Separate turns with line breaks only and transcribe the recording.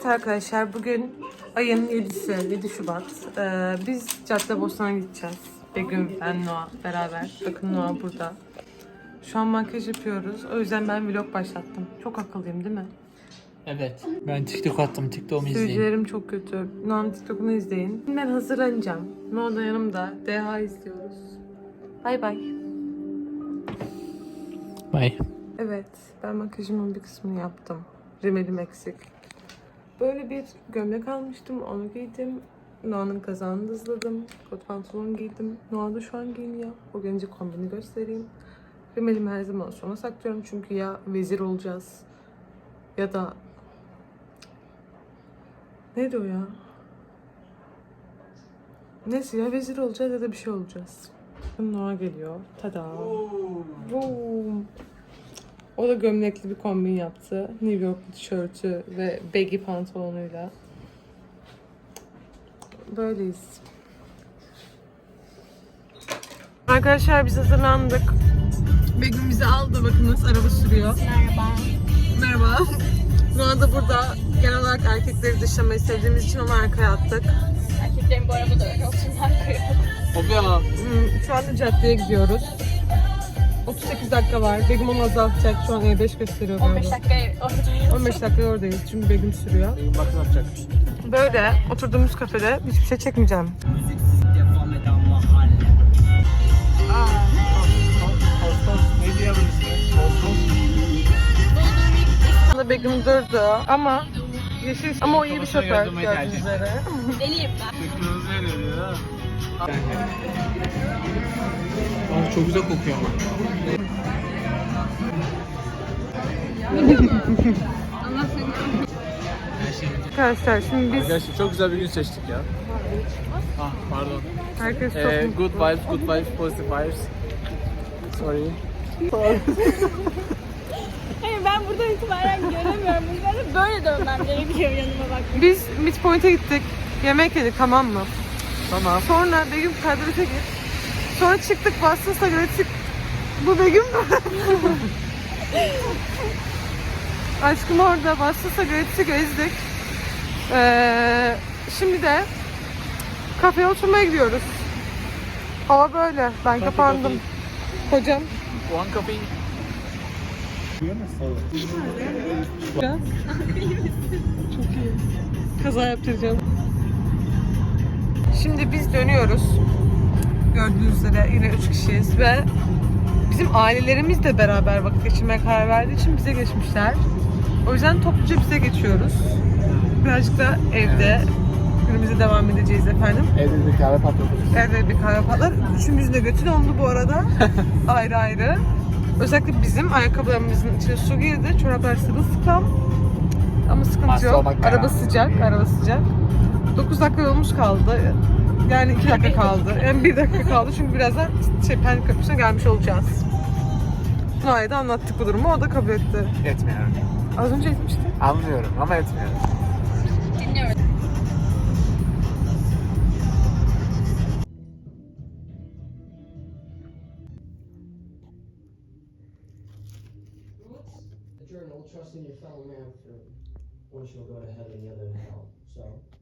Arkadaşlar bugün ayın 7'si, 7 Şubat. Biz Caddebostan'a gideceğiz. Begüm, ben, Noah beraber. Bakın Noah burada. Şu an makyaj yapıyoruz. O yüzden ben vlog başlattım. Çok akıllıyım değil mi?
Evet. Ben TikTok attım. TikTok'umu izleyin.
Sürücülerim çok kötü. Noah'ın TikTok'unu izleyin. Ben hazırlanacağım. Noah da yanımda. DH izliyoruz. Bay bay.
Bye.
Evet, ben makyajımın bir kısmını yaptım. Rimelim eksik. Böyle bir gömlek almıştım, onu giydim. Noah'nın kazağını dızladım. Kot pantolon giydim. Noah da şu an giyiniyor. O gelince kombini göstereyim. Rimelimi her zaman sona saklıyorum çünkü ya vezir olacağız ya da... Neydi o ya? Neyse ya vezir olacağız ya da bir şey olacağız. Noah geliyor. Tada. Boom. O da gömlekli bir kombin yaptı. New York tişörtü ve baggy pantolonuyla. Böyleyiz. Arkadaşlar biz hazırlandık. Begüm bizi aldı. Bakınız araba sürüyor.
Merhaba.
Merhaba. Noah da burada. Genel olarak erkekleri dışlamayı sevdiğimiz için onu arkaya attık.
Erkeklerin bu arabada öyle olsun arkaya.
Hopya.
Şu anda caddeye gidiyoruz. 38 dakika var. Begüm onu azaltacak. Şu an E5 gösteriyor.
15 dakika oradayız.
15 dakika oradayız. Çünkü Begüm sürüyor.
Bakın yapacak.
Böyle oturduğumuz kafede hiçbir şey çekmeyeceğim.
Ne diyebilirsin?
Burada Begüm durdu ama yeşil ama o iyi bir şoför gördüğünüz üzere.
Deliyim ben.
Çok güzel kokuyor ama.
Arkadaşlar şimdi biz
Gerçekten çok güzel bir gün seçtik ya. Ah pardon.
herkes çok
Good vibes, positive vibes. Sorry.
Hayır ben buradan itibaren göremiyorum. Ben böyle dönmem gerekiyor yanıma bak.
biz Midpoint'e gittik. Yemek yedik tamam mı?
Tamam.
Sonra Begüm kadrete git. Sonra çıktık Boston Sagrets'i. Bu Begüm mü? Aşkım orada Boston Sagrets'i gezdik. Şimdi de kafeye oturmaya gidiyoruz. Hava böyle. Ben kapandım. Hocam.
One coffee.
Biraz. Çok iyi. Kaza yaptıracağım. Şimdi biz dönüyoruz. Gördüğünüz üzere yine 3 kişiyiz ve bizim ailelerimiz de beraber vakit geçirmeye karar verdiği için bize geçmişler. O yüzden topluca bize geçiyoruz. Birazcık da evde günümüze devam edeceğiz efendim.
Evde bir kahve patlatırız.
Evde bir kahve patlar. Üçümüzün de götü dondu bu arada. Ayrı ayrı. Özellikle bizim ayakkabılarımızın içine su girdi. Çoraplar sırılsıklam. Ama sıkıntı yok. Araba sıcak, araba sıcak. 9 dakika yolumuz kaldı. Yani 2 dakika kaldı. Yani 1 dakika kaldı çünkü birazdan Pendik Köprüsü'ne gelmiş olacağız. Noah'ya da anlattık bu durumu, o da kabul etti.
Etmiyorum.
Az önce etmişti.
Anlıyorum ama etmiyorum.
Dinliyorum.
The journal, trusting your fellow man for one shall go to heaven, the other to hell. So